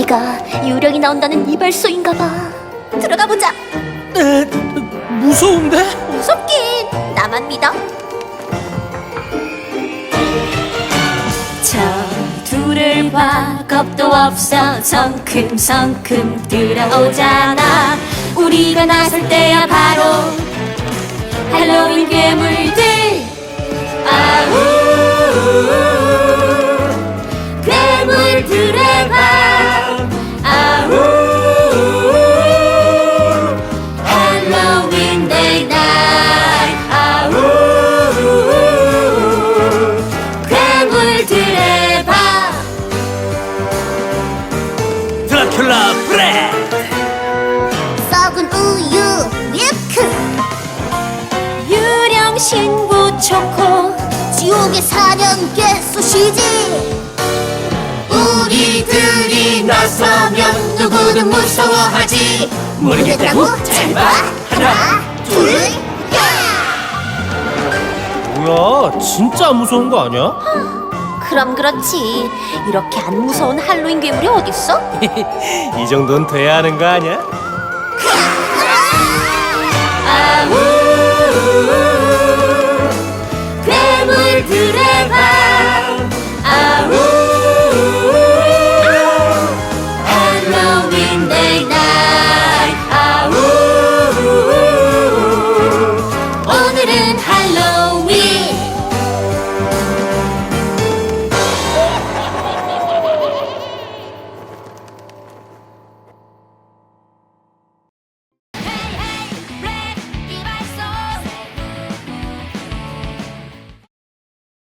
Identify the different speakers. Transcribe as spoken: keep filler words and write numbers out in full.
Speaker 1: 여기가 유령이 나온다는 이발소인가봐. 들어가 보자.
Speaker 2: 에, 무서운데?
Speaker 1: 무섭긴. 나만 믿어. 저 둘을 봐, 겁도 없어. 성큼성큼 들어오잖아. 우리가 나설 때야 바로 할로윈 괴물들. 아우 괴물들의 밤. 아우 할로윈 데이 나잇. 아우 괴물들의 밤.
Speaker 2: 드라큘라 브레드!
Speaker 1: 썩은 우유 밀크. 유령 신부 초코. 지옥의 사냥개 소시지. 우리들이 나서면 누구는 무서워하지. 모르겠다고? 잘 봐. 하나 둘 야.
Speaker 2: 뭐야, 진짜 안 무서운 거 아니야?
Speaker 1: 그럼 그렇지. 이렇게 안 무서운 할로윈 괴물이 어딨어?
Speaker 2: 이 정도는 돼야 하는 거 아니야?
Speaker 1: 아우